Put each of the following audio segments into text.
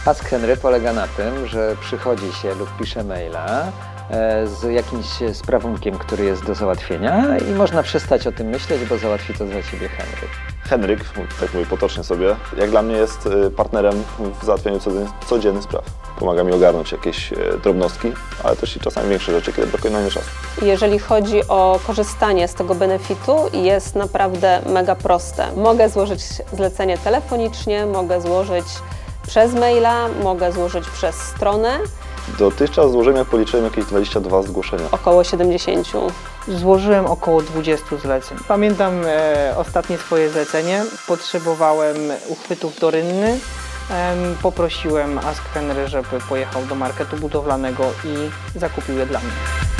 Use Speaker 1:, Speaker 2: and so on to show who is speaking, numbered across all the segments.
Speaker 1: Ask Henry polega na tym, że przychodzi się lub pisze maila z jakimś sprawunkiem, który jest do załatwienia i można przestać o tym myśleć, bo załatwi to za ciebie Henryk.
Speaker 2: Henryk, tak mówię potocznie sobie, jak dla mnie jest partnerem w załatwianiu codziennych spraw. Pomaga mi ogarnąć jakieś drobnostki, ale też i czasami większe rzeczy, kiedy brakuje na nie czasu.
Speaker 3: Jeżeli chodzi o korzystanie z tego benefitu, jest naprawdę mega proste. Mogę złożyć zlecenie telefonicznie, mogę złożyć przez maila, mogę złożyć przez stronę.
Speaker 2: Dotychczas złożyłem, jak policzyłem, jakieś 22 zgłoszenia.
Speaker 3: Około 70.
Speaker 4: Złożyłem około 20 zleceń. Pamiętam ostatnie swoje zlecenie. Potrzebowałem uchwytów do rynny. Poprosiłem Ask Henry, żeby pojechał do marketu budowlanego i zakupił je dla mnie.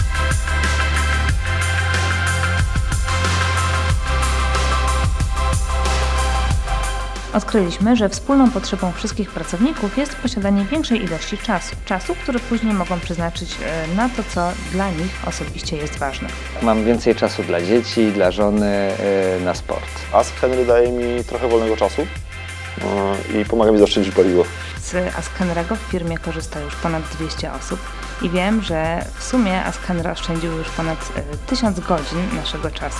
Speaker 5: Odkryliśmy, że wspólną potrzebą wszystkich pracowników jest posiadanie większej ilości czasu, który później mogą przeznaczyć na to, co dla nich osobiście jest ważne.
Speaker 1: Mam więcej czasu dla dzieci, dla żony, na sport.
Speaker 2: Ask Henry daje mi trochę wolnego czasu i pomaga mi zaoszczędzić paliwo.
Speaker 5: Z Ask Henry'ego w firmie korzysta już ponad 200 osób i wiem, że w sumie Ask Henry oszczędził już ponad 1000 godzin naszego czasu.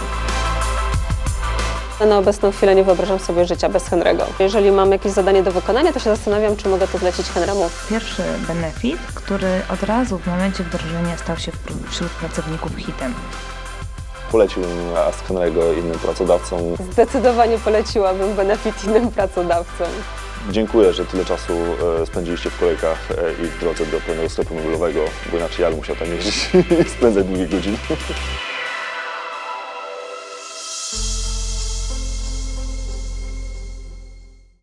Speaker 3: Na obecną chwilę nie wyobrażam sobie życia bez Henry'ego. Jeżeli mam jakieś zadanie do wykonania, to się zastanawiam, czy mogę to zlecić Henry'emu.
Speaker 5: Pierwszy benefit, który od razu w momencie wdrożenia stał się wśród pracowników hitem.
Speaker 2: Poleciłbym Ask Henry'ego innym pracodawcom.
Speaker 3: Zdecydowanie poleciłabym benefit innym pracodawcom.
Speaker 2: Dziękuję, że tyle czasu spędziliście w kolejkach i w drodze do pełnego sklepu mobilowego, bo inaczej ja bym musiał tam jeździć i spędzać długie godziny.